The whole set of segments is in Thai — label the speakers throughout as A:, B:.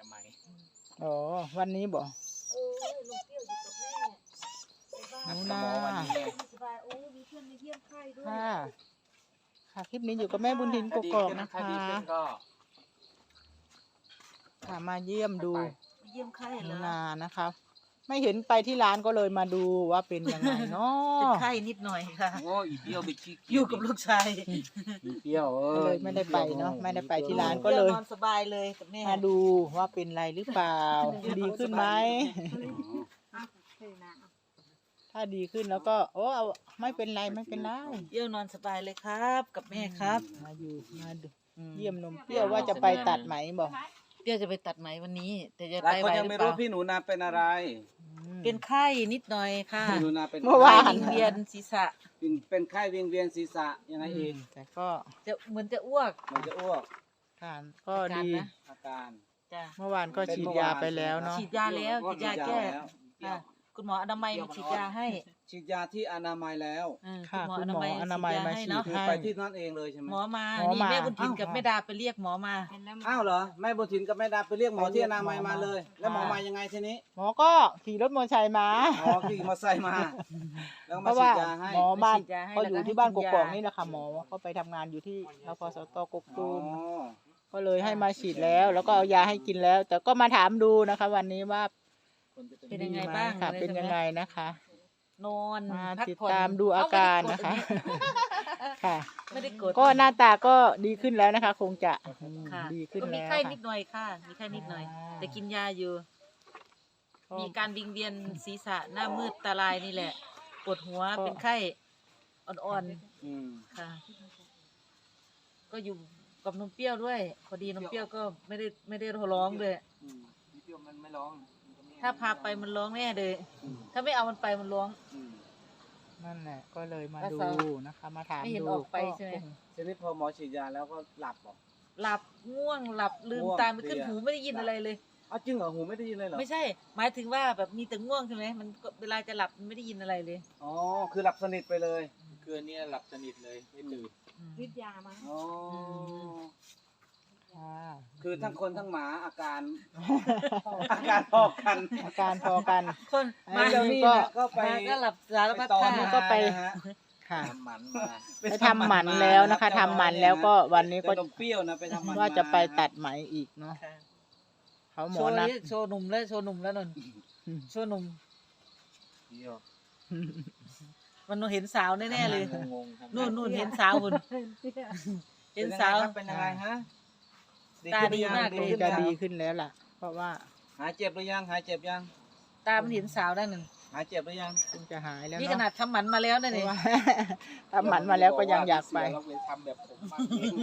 A: ะไหม
B: อ๋อวันนี้บอก
C: ลุงเปรี้ยวอยู่กับแม่ในบ้าน
B: หนู
A: หม
B: นา
A: อวันนี้ไง
C: สบายโอ้มีเพื่อนมาเยี่ยมไข้ด้วย
B: ค่ะค่ะคลิปนี้อยู่กับแม่บุญทินก
A: ถ้าดี
B: กอก
A: ขึ้น
B: นะ
A: ถ้า
B: คะ
A: ดีขึ้นก็
B: ค่ะมาเยี่ยมดู
C: มาเยี่ยมไข้
B: ห
C: เหร
B: นู
C: อ
B: นานะคะไม่เห็นไปที่ร้านก็เลยมาดูว่าเป็นยังไงเนาะ
C: เป็นไข้นิดหน่อยค่ะ
A: โอ้อีเปรี้ยวไปขี้เกี
C: อยู่กับลูกชาย
A: อีเปรี้ยว
B: ก็เลยไม่ได้ไปเนาะไม่ได้ไปที่ร้านก็
C: ก็
B: เลย
C: นอนสบายเลยกับแม่
B: มาดูว่าเป็นไรหรือเปล่า ดีขึ้นไหมถ้าดีขึ้นแล้วก็โอ้เอาไม่เป็นไรไม่เป็นไร
C: เปรี้ยวนอนสบายเลยครับกับแม่ครับ
B: มาอยู่มาดูเยี่ยมนมเปรี้ยวว่าจะไปตัดไหมบอก
C: เปรี้ยวจะไปตัดไหมวันนี้ แต่จะ
D: หลา
C: ไป
D: ย
C: ไห
D: คน
C: ว
D: ยัง
C: หรื
D: ไม่
C: อเป
D: รู้
C: ล่า
D: พี่หนูนาเป็นอะไร
C: เป็นไข้นิดหน่อยค่ะ
D: พี่หนูนาเป็น
B: เมื่อวาน
C: ไข้วิงเวียนศีรษะ
D: เป็นไข้วิงเวียนศีรษะยังไงอีก
B: แต่ก็
C: จะเหมือนจะอ้วก
D: มันจะอ้วก
B: ทานก็ดี
C: อาการนะ
D: อาการ
C: จ้ะ
B: เมื่อวานก็ฉีดยาไปแล้วเนาะ
C: ฉีดยาแล้วฉีดยาแก้
D: แล้ว
C: ค่ะคุณหมออนามัยมาฉีดยาให้
D: ฉีดยาที่อนามัยแล้ว
B: ค่ะ
C: คุ
B: คุณ
C: ณ
B: ห
C: ห
B: ม
C: ม
B: อ
C: อ
B: อ
C: อ
B: นา
C: นา
B: มั
C: มั
B: ย
C: ย
B: มา
C: มา
B: ฉี
C: ฉี
B: ด
C: ดยาให้
D: คือ
C: เนาะ
D: ไปที่นั่นเองเลยใช่ไหม
C: หมอมา
B: หมอ
C: นี่
B: มา
C: แม่บุญถิ่นกับแม่ดาไปเรียกหมอมา
D: อ้าวเหรอแม่บุญถินกับแม่ดาไปเรียกหมอที่อนามัยมาเลย แล้วหมอมายังไงทีนี้
B: หมอก็ขี่รถมอเตอร์ไซค์มา
D: อ๋อขี่มอเตอร์ไซค์มา แล้ว
B: เพ
D: มา
B: ราะ
D: ฉี
B: ว่า
D: ดยาให้
B: หมอบ้าน
C: ฉีดยาให้
B: เขาอยู่
C: แล้วก็
B: ที่บ้านก
C: ให้กิน
B: กอก
C: ยา
B: นี่แหละค่ะหมอเขาไปทำงานอยู่ที่รพสตกก
D: อ๋
B: ตูม
D: อ
B: ก็เลยให้มาฉีดแล้วแล้วก็เอายาให้กินแล้ว แต่ก็มาถามดูนะคะ วันนี้ว่า
C: เป็นยังไง
B: ดีหม
C: บ้าง
B: ค่ะ
C: อะไร
B: เป็นยังไงนะคะ
C: นอน
B: มา
C: พัก
B: ติด
C: ผ่อน
B: ตามดูอาการนะคะ ค่ะ
C: ไม่ได้กด
B: ก็หน้าตาก็ดีขึ้นแล้วนะคะ คงจะ
C: ค่ะ
B: ดีขึ้น
C: ก็มี
B: แล้ว
C: ไข้
B: ค่ะ
C: นิดหน่อยค่ะมีไข้นิดหน่อย แต่กินยาอยู่
B: ก็
C: มีการวิงเวียนศีรษะหน้ามืดตาลายนี่แหละปวดหัว
B: ก็
C: เป็นไข้อ่อน
D: อืม
C: ๆค่ะ ก็อยู่กับนมเปรี้ยวด้วย พอดีนมเปรี้ยวก็ไม่ได้ร้องเลย
D: อืมพี่เปรี้ยวมันไม่ร้อง
C: ถ้าพาไปมันร้องแน่เลย ถ้าไม่เอามันไปมันร้อง
D: อืม
B: นั่นแหละก็เลยมา
C: แล้ว
B: ดู
C: สาว
B: นะคะ มาถาม
C: ไม่เห็น
B: ดู
C: ออกไปใช่ไหม
D: ทีนี้พอหมอฉีดยาแล้วก็หลับเหรอ
C: หลับง่วงหลับลืม
D: ง่วง
C: ตาไม่ขึ้น
D: เพลีย
C: หูไม่ได้ยินอะไรเลย
D: อ้าวจริงเหรอหูไม่ได้ยินเลยเหรอ
C: ไม่ใช่ หมายถึงว่าแบบมีแต่ง่วงใช่ไหมมันก็เวลาจะหลับมันไม่ได้ยินอะไรเลย
D: อ๋อคือหลับสนิทไปเลย
A: คืนนี้หลับสนิทเลยไม่ตื่น
C: วิทยามา
D: อ๋อ
B: ค่ะ
D: คือทั้งคนทั้งหมาอาการ อาการพอกัน
B: อาการพอกัน
C: คน
B: มา
D: เจ้านี่
B: ก็
D: นะก็ไป
C: มาก็หลับสารพัด
D: ต่อ
C: ท่า
D: นี่
B: ก็ไป
D: นะฮะ
B: ค่ะ
A: ทำหมันมา
B: ไปทำหมันแล้วนะคะทำหมันแล้วก็วันนี้ก็
D: เจ้าดมเปรี้ยวนะไปทำหมัน
B: ว่าจะไปตัด
D: มา
B: ไหมอีกเนาะ
C: ค่ะ
B: เขาหม
C: โช
B: อ
C: ว์
B: นัด
C: นี้โชว์หนุ่มแล้วโชว์หนุ่มแล้วนนโชว์หนุ่ม
D: เปรี้ยว
C: มันเห็นสาวแน่ๆเลย
A: งงๆครับ
C: นู่นเห็นสาวคุณเห็นสาว
D: เป็นยังไงฮะ
C: ตาดีมาก
B: ค
C: เล
B: ง
C: ย
B: จะดีขึ้นแล้วล่ะ เพราะว่า
D: หายเจ็บหรือยังหายเจ็บยัง
C: ตามันเห็นสาวได้หนึ่ง
D: หายเจ็บหรือยัง
B: คงจะหายแล้ว
C: นี่
B: เนาะ
C: ขนาดทำหมันมาแล้วนะ
B: เพ
C: นี่
B: ราะว่า ทำหมันมาแล้วก็ยังอยากไป
A: เราเลยทำแบบผมบ้าง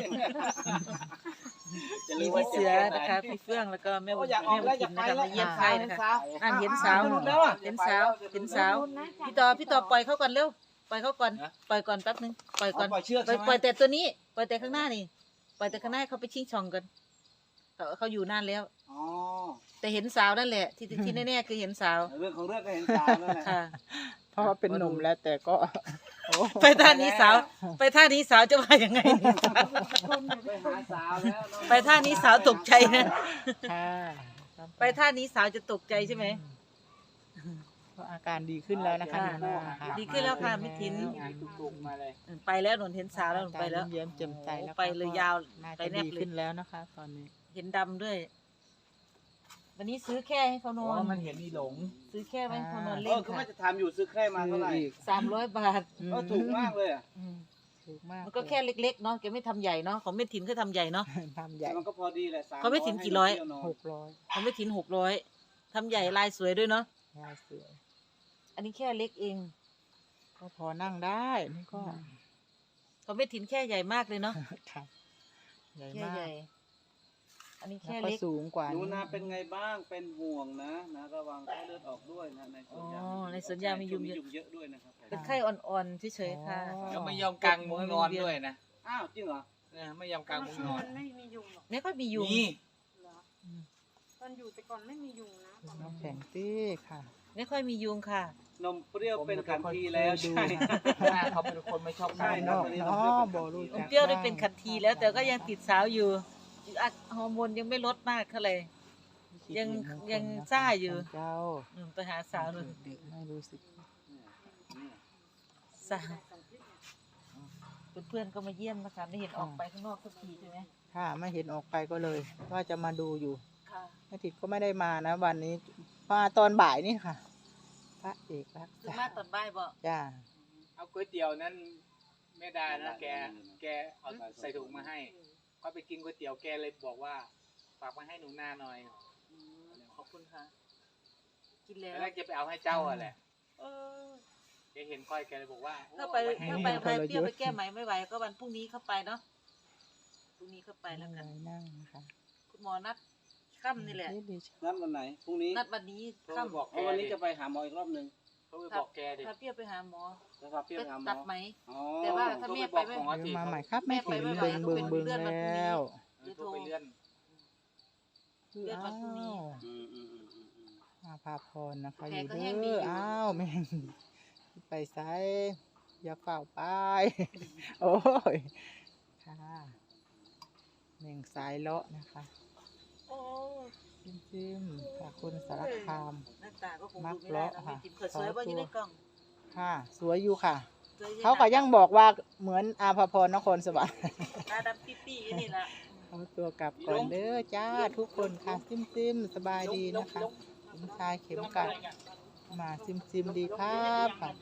A: จะ
C: มี
A: รู้ว่า
C: พี่เสือนะคะพี่เฟื่องแล้วก็แม่บุญ
D: อยากออ
C: แม่
D: ก
C: บุ
D: แล้ว
C: ญ
D: อยา
C: ถิ่
D: ก
C: น
D: ไป
C: นะคะ
D: แล้ว
C: มาเยี่ยมไข้นะคะนั่นเห็นสาว
D: แล้วอ่ะ
C: เห็นสาวพี่ต่อปล่อยเขาก่อนเร็วปล่อยเขาก่อนปล่อยก่อนแป๊บนึงปล่อยก่อน
D: ปล่อยเชือก
C: ปล่อย
D: ใช่ไหม
C: ปล่อยแต่ตัวนี้ปล่อยแต่ข้างหน้านี่ปล่อยแต่ข้างหน้าเขาไปชิงช่องกันเขาอยู่นานแล้ว
D: อ๋อ
C: แต่เห็นสาวนั่นแหละที่แน่ๆคือเห็นสาว
D: เรื่องของเรื่องก็เห็นสาวนั่นแหละ
C: ค่ะ
B: เพราะว่าเป็นหนุ่มแล้วแต่ก็โอ้
C: ไปท่านี้สาว ไปท่านี้สาวจะว่ายังไง
D: ไปหาสาวแล้ว
C: ไปท่านี้สาวตกใจนะ
B: ค่ะ
C: ไปท่านี้สาวจะตกใจใช่ไหม
B: ก็อาการดีขึ้นแล้วนะคะ
C: ค่ะ
B: หนูนาค่ะ
C: ดีขึ้นแล้วค่ะมิถิน
A: งานตุกๆมาเลย
C: ไปแล้วหนนเห็นสาวแล้วหนไปแล้ว
B: เยิ้มแจ่มใสแล้ว
C: ไปเลยยาว
B: น่า
C: ไป
B: จะ
C: แนบ
B: ดี
C: เลย
B: ขึ้นแล้วนะคะ ตอนนี้
C: เห็นดำด้วย วันนี้ซื้อแค่ให้เขาน
A: อ๋
C: อ
A: อน มันเห็นมีหลง
C: ซื้อแค่ไว้ให้เขานอน
D: เอ
C: เล่
D: อน ก็ไม่
C: ค่ะ
D: จะทำอยู่ซื้อแค่มาเท่าไหร่
B: อีก
C: 300 บาท
D: ก็ถูกมากเลยอ่ะ
C: อืม
B: ถูกมาก
C: มันก็แค่เล็กๆเนาะแกไม่ทำใหญ่เนาะของเม็ดถินเขาทำใหญ่เนาะ
B: ทำใหญ่
D: แต่มันก็พอดีแหละ300
C: เขาไม่ถึงกี่ร้อย
D: ให้เที่ว
B: 600
D: นน
C: ของเม็ดถิน600ทำใหญ่ลายสวยด้วยเนาะ
B: ลายสวย
C: อันนี้แค่เล็กเอง
B: ก็พอนั่งได้นี่ก็
C: ของเม็ดถินแค่ใหญ่มากเลยเนาะ
B: ค่ะใหญ่
C: แค่
B: มาก
C: ใหญ่ อันนี้
B: แล้ว
C: แค่
B: ก็
C: เล็ก
B: สูงกว่า
D: หนูนาเป็นไงบ้างเป็นห่วงนะระวังไข้เลือดออกด้วยนะในสวนยาง
C: อ๋อในสวนยางมียุงเยอะ
D: เยอะด้วยนะครับ
C: เป็นไข้อ่อนๆเฉยๆค่ะ
A: แล้วไม่ยอมกางมุ้งนอนด้วยนะ
D: อ้าวจริงเหรอ
A: ไม่ยอมกางมุ้งนอน
E: ไม่มียุงหรอก
C: ไม่ค่อยมียุง
A: นี่
E: เหรอตอนอยู่แต่ก่อนไม่มียุงนะตอน
B: น้
E: นั้
B: อง
E: น
B: แข็งตี้ค่ะ
C: ไม่ค่อยมียุงค่ะ
D: นมเปรี้ยวเป็นขันทีแล้วใช่
A: หน้าเขาเป็นคนไม่ชอบ
D: ใช่
A: กาง
D: ค
A: มุ้
D: รับ
A: ง
B: นอกเนาะบอรู้
C: น
B: จั
C: ม
B: ก
C: เปรี้ยวได้เป็นขันทีแล้วแต่ก็ยังติดสาวอยู่ฮอร์โมนยังไม่ลดมากเท่าไหร่ยังซ่าอยู่
B: เจ้า
C: ไปหาสาวเลย
B: เด็กไม่รู้สึก
C: สาวเพื่อนๆก็มาเยี่ยมนะคะไม่เห็นออกไปข้างนอกสักทีใช่ไหม
B: ถ้าไม่เห็นออกไปก็เลย ว่าจะมาดูอยู่
C: ค่ะ
B: แม่ทิดก็ไม่ได้มานะวันนี้มาตอนบ่ายนี่ค่ะ พระเอกรัก
C: คือ
B: ษา
C: มาตอนบ่ายบ่
B: จ้า
A: เอาก๋วยเตี๋ยวนั้นแม่ดานะแกเอาใส่ถุงมาให้ก็ไปกินก๋วยเตี๋ยวแกเลยบอกว่าฝากมาให้หนูนาหน่อย
C: ขอบคุณค่ะ กินแล้ว
A: แล้วจะไปเอาให้เจ้าอะแหละ
C: เออ
A: แกเห็นก้อยแกเลยบอกว่า
C: ถ้าไปเปรี้ยวไปแก้ไหมไม่ไหวก็วันพรุ่งนี้เข้าไปเนาะพรุ่งนี้เข้าไปแล้วกัน
B: นั่งนะคะ
C: คุณหมอนัดค่ำนี่แหละ
D: นัดวันไหนพรุ่งนี้
C: นัดวันนี้ค่ำ
A: บอก
D: เพราะวันนี้จะไปหาหมออีกรอบหนึ่ง
A: เขาไปบอกแกดิ
C: ถ้าเปรี้ยวไปหาหมอ
D: จะพาเปรี้ยว
C: ไป
D: ไปหาหมอ
C: ตัดไหม
D: อ๋อ
C: แต่ว่าถ้าแม่ไปไม่
B: เดี๋ยวมาใหม่ครับแม่
C: แม่ไป
B: ถิ่น
C: ไม่ไหว
B: เบิ่ง
C: ต้อง
B: เบิ่ง
C: เป็น
B: เบิ่ง
C: เลื่อนวันพรุ่งนี้
B: แล้ว
A: โทรไปเลื่อน
C: เลื่อนวันพรุ่งนี้
B: มาพาพรนะคะ
C: แข
B: อก ยู่
C: ก็
B: เด้
C: แห้งดี
B: อ
C: อยู่
B: อ้าวแม่งไปไสอย่าเฝ้าไป โอ้ยค่ะแม่งสายเลาะนะคะ
C: โอ้
B: จิ้มค่ะคุณสารคาม
C: หน้าตาก็คงดูไม่ได้นะไม่จิ้มเขินสวยว่าอยู่ในกล่อง
B: ค่ะ สวยอยู่ค่ะ
C: สวยอยู่
B: เขาก็ยังบอกว่าเหมือนอาภาพรนครสวรรค์
C: ตาดำปี้ๆนี่แหละ
B: เอาตัวกลับก่อนเด้อจ้าทุกคนค่ะซิมสบายดีนะคะผมชายเข็มกัดมาซิมดีครับค่ะ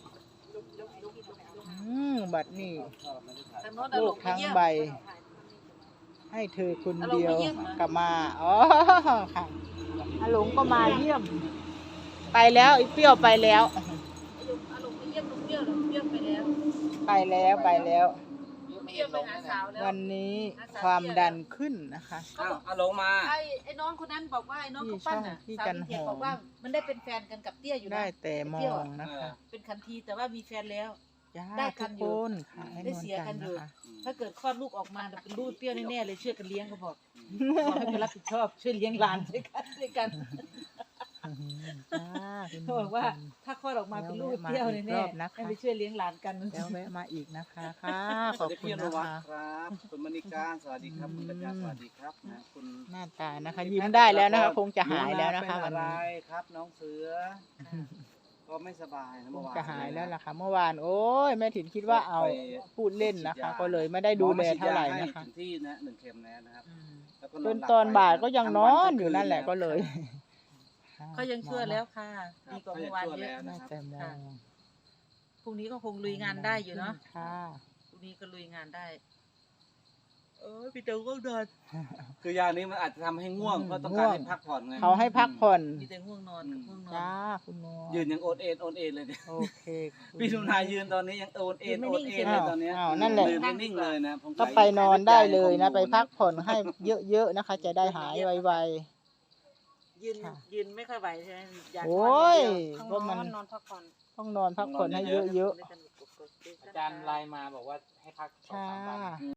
B: บัดนี้
C: ทางโน้นเอา
B: โล
C: ล
B: ก
C: งไป
B: ทั้ง
C: เยี่ยม
B: ใบ ให้เธอคนเดียวกลับมาอ๋อค่ะอาหลงก็มาเยี่ยม ไปแล้วอีเปรี้ยวไปแล้ว
C: เอาลงไปเยี่ยมลุงเปรี้ยวลุงเปรี้ยวไปแล้ว
B: ไปแล้วไปแล้ว
C: ลุงเปรี้ยวไปหาสาวแล้ว
B: วันนี้ความดันขึ้นนะคะ
D: อ้าวเอาลงมา
C: ไอ้น้องคนนั้นบอกว่าไอ้น้องเขาปั้นน่ะ
B: ที่
C: สาว
B: จัน
C: เทีย
B: หอม
C: บอกว่ามันได้เป็นแฟนกันกับเตี้ยอยู่นะ
B: ได้แต่มองนะคะ
C: เป็นคันทีแต่ว่ามีแฟนแล้ว
B: จ้า
C: ได้กั
B: ทุ
C: น
B: ก
C: อยู่
B: คนค่ะให้
C: ได้
B: นวล
C: เสียกั
B: กัน น
C: อยู่
B: นะคะ
C: ถ้าเกิดคลอดลูกออกมาเป็นลูกเปรี้ยวแน่ๆเลยช่วยกันเลี้ยงเขาบอกบอกให้ไปรับผิดชอบช่วยเลี้ยงหลานด้วยกัน
B: จ้าคุณ
C: เขาบอกว่าถ้าคลอดออกมาเป็นลูกเปรี้ยวแน่ๆให้ไปช่วยเลี้ยงหลานกัน
B: แล้วแวะมาอีกนะคะค่ะข
D: ส
B: อ
D: วั
B: บ
D: สดี
B: คุณ
D: พี่น
B: นะ
D: วัด
B: คะ
D: ครับคุณมณีการสวัสดีครับคุณกัญญาสวัสดีครับนะคุณ
B: หน้าตานะคะ ยิ้มได้แล้วนะคะ คงจะหายแล้วนะคะ
D: เป็
B: วัน
D: อะไร
B: นี้
D: ครับน้องเสือ ก็ไม่สบายนะ
B: ค
D: เมื่
B: ง
D: อวาน
B: จะหายแล้วล่ะค่ะ เมื่อวานโอ้ยแม่ถิ่นคิดว่าเอาพูดเล่นนะคะ ก็เลยไม่ได้ดูแลเท่าไหร่นะคะ
D: ถึงที่นะ1 เข็มแล้วนะครับแล้วก็
B: จ
D: อน หลับ
B: ตอนบ่ายก็ยังนอน
D: ทั้งวั
B: อยู่นั่นแหละ
D: ทั้ง
B: ก็
D: คื
B: เลย
C: เขายังชั่วแล้วค่ะดีกว่า
D: เขายั
C: เมื่
D: ง
C: อวาน
D: ชั่ว
C: เย
D: แล้ว
C: อะ
B: น่า
D: นะครับ
B: จะมอง
C: พรุ่งนี้ก็คงลุยงานได้อยู่เนาะ
B: ค่ะ
C: พรุ่งนี้ก็ลุยงานได้พี่เต๋อก็นอน
D: คือยานี้มันอาจจะทำให้ง่วงเพราะต้องการให้พักผ่อนไง
B: เขาให้พักผ่อน
C: มีแต่ง่วงนอนกับง่วงนอน
B: จ้าคุณนวล
D: ยืนยังโอนเอ็นเลยเนี่ย
B: โอเค
D: พี่ทุนายยืนตอนนี้ยังโอนเอ็นเลยตอนเนี้ย
B: อ้าวนั่นแหละ
D: ยืนไม่นิ่งเลยนะผม
B: ก็ไปนอนได้เลยนะ ไปพักผ่อนให้เยอะๆนะคะ จะได้หายไว
C: ยืน
B: ค่ะ
C: ยืนไม่ค่อยไหวใช่ไหมอยาก
B: ๆ โอ
C: นอน้
B: ย
C: อย่างเดียว
E: ต้อง
B: ก็มัน
E: นอนพักผ่อน
B: ต้องนอนพักผ่อนให้เยอะ
A: อาจารย์ไลน์มาบอกว่าให้พัก
B: ๆ
A: 2-3 วัน
B: ค่ะ